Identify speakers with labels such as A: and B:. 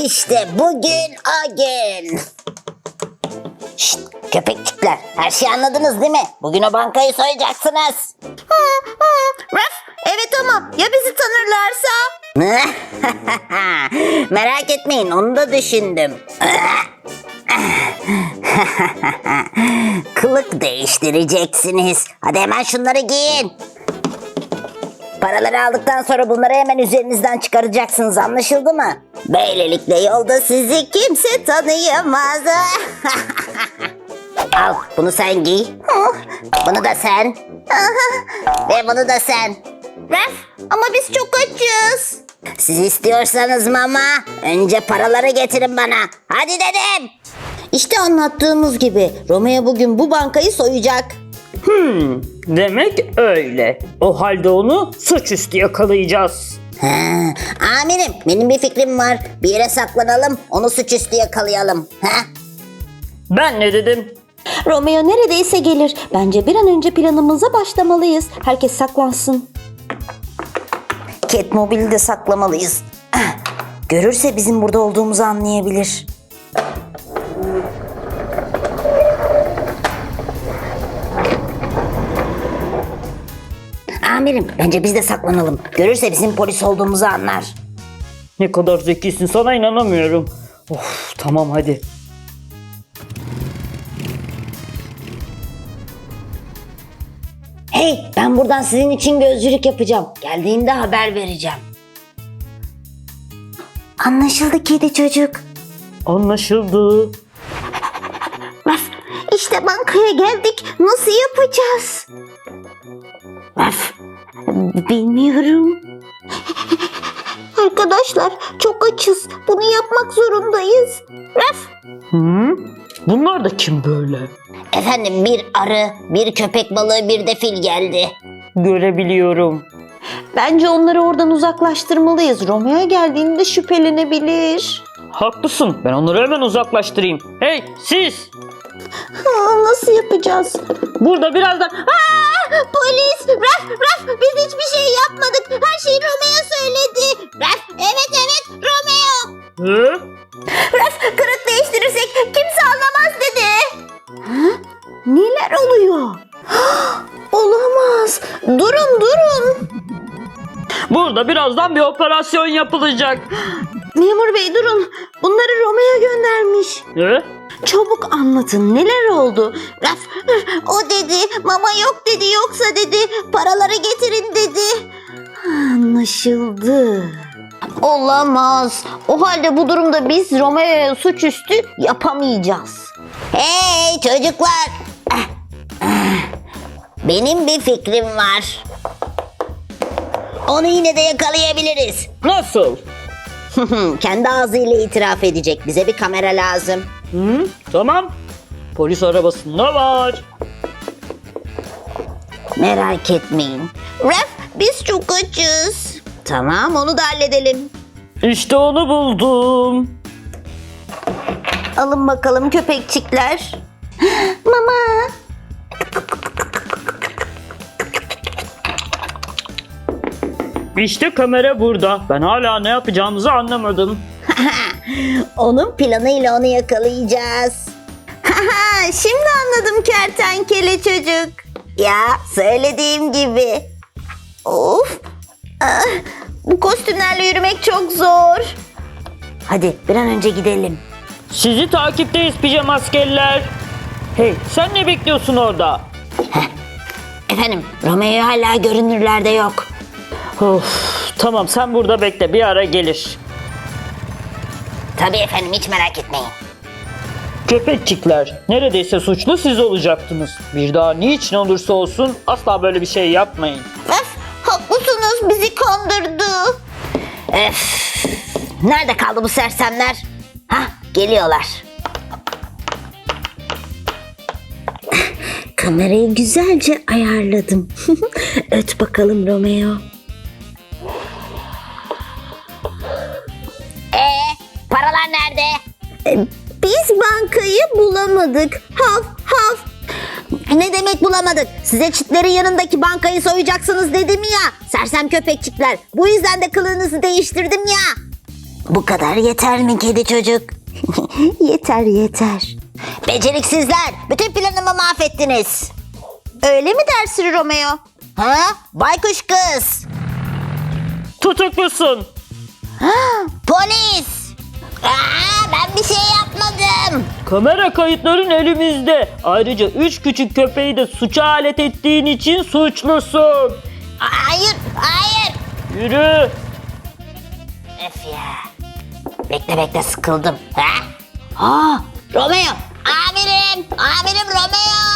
A: İşte bugün o gün. Şşt, köpekçikler, her şeyi anladınız değil mi? Bugün o bankayı soyacaksınız.
B: Raf, evet ama ya bizi tanırlarsa?
A: Merak etmeyin, onu da düşündüm. Kılık değiştireceksiniz. Hadi hemen şunları giyin. Paraları aldıktan sonra bunları hemen üzerinizden çıkaracaksınız, anlaşıldı mı? Böylelikle yolda sizi kimse tanıyamaz. Al, bunu sen giy. Bunu da sen. Ve bunu da sen.
B: Raf, ama biz çok açız.
A: Siz istiyorsanız mama, önce paraları getirin bana. Hadi dedim. İşte anlattığımız gibi Romeo bugün bu bankayı soyacak.
C: Demek öyle. O halde onu suçüstü yakalayacağız.
A: Amirim, benim bir fikrim var. Bir yere saklanalım, onu suçüstü yakalayalım.
C: Ben ne dedim?
B: Romeo neredeyse gelir. Bence bir an önce planımıza başlamalıyız. Herkes saklansın.
A: Catmobile'i de saklamalıyız. Görürse bizim burada olduğumuzu anlayabilir. Amirim, bence biz de saklanalım. Görürse bizim polis olduğumuzu anlar.
C: Ne kadar zekisin, sana inanamıyorum. Of, tamam hadi.
A: Hey, ben buradan sizin için gözcülük yapacağım. Geldiğinde haber vereceğim. Anlaşıldı kedi çocuk.
C: Anlaşıldı.
B: Raf, işte bankaya geldik. Nasıl yapacağız?
A: Raf, bilmiyorum.
B: Arkadaşlar çok açız. Bunu yapmak zorundayız. Raf,
C: Bunlar da kim böyle?
A: Efendim, bir arı, bir köpek balığı, bir de fil geldi.
C: Görebiliyorum.
B: bence onları oradan uzaklaştırmalıyız. Romeo geldiğinde şüphelenebilir.
C: Haklısın, ben onları hemen uzaklaştırayım. Hey siz!
B: Nasıl yapacağız?
C: Burada birazdan...
B: Polis! Raf! Biz hiçbir şey yapmadık. Her şeyi Romeo söyledi. Raf! Evet Romeo!
C: Hı?
B: Raf, kırık değiştirirsek kimse anlamaz dedi. Neler oluyor? Olamaz. Durun.
C: Burada birazdan bir operasyon yapılacak.
B: Memur bey durun. Bunları Romeo göndermiş.
C: Hı?
B: Çabuk anlatın, neler oldu? Raf, o dedi, mama yok dedi, yoksa dedi, paraları getirin dedi. Anlaşıldı. Olamaz. O halde bu durumda biz Romeo'ya suçüstü yapamayacağız.
A: Hey çocuklar! Benim bir fikrim var. Onu yine de yakalayabiliriz.
C: Nasıl?
A: Kendi ağzıyla itiraf edecek. Bize bir kamera lazım.
C: Tamam. Polis arabasında var.
A: Merak etmeyin.
B: Raf, biz çok açız.
A: Tamam, onu da halledelim.
C: İşte onu buldum.
B: Alın bakalım köpekçikler. Mama.
C: İşte kamera burada. Ben hala ne yapacağımızı anlamadım.
A: Onun planıyla onu yakalayacağız.
B: Şimdi anladım kertenkele çocuk.
A: Ya, söylediğim gibi.
B: Of. Bu kostümlerle yürümek çok zor.
A: Hadi bir an önce gidelim.
C: Sizi takipteyiz pijama askerler. Hey sen ne bekliyorsun orada?
A: Efendim, Romeo hala görünürlerde yok.
C: Of, tamam sen burada bekle, bir ara gelir.
A: Tabii efendim, hiç merak etmeyin.
C: Köpekçikler, neredeyse suçlu siz olacaktınız. Bir daha niçin olursa olsun asla böyle bir şey yapmayın.
B: Raf, haklısınız, bizi kandırdı.
A: Nerede kaldı bu sersemler? Hah, geliyorlar. Kamerayı güzelce ayarladım. Öt bakalım Romeo. Paralar nerede?
B: Biz bankayı bulamadık. Haf.
A: Ne demek bulamadık? Size çitlerin yanındaki bankayı soyacaksınız dedim ya. Sersem köpekçikler. Bu yüzden de kılığınızı değiştirdim ya. Bu kadar yeter mi kedi çocuk?
B: Yeter yeter.
A: Beceriksizler, bütün planımı mahvettiniz.
B: Öyle mi dersin Romeo?
A: Ha? Baykuş kız.
C: Tutuklusun.
A: Polis. Ben bir şey yapmadım.
C: Kamera kayıtların elimizde. Ayrıca 3 küçük köpeği de suça alet ettiğin için suçlusun.
A: Hayır, hayır.
C: Yürü.
A: Öf ya. Bekle sıkıldım. Ha? Romeo. Amirim Romeo.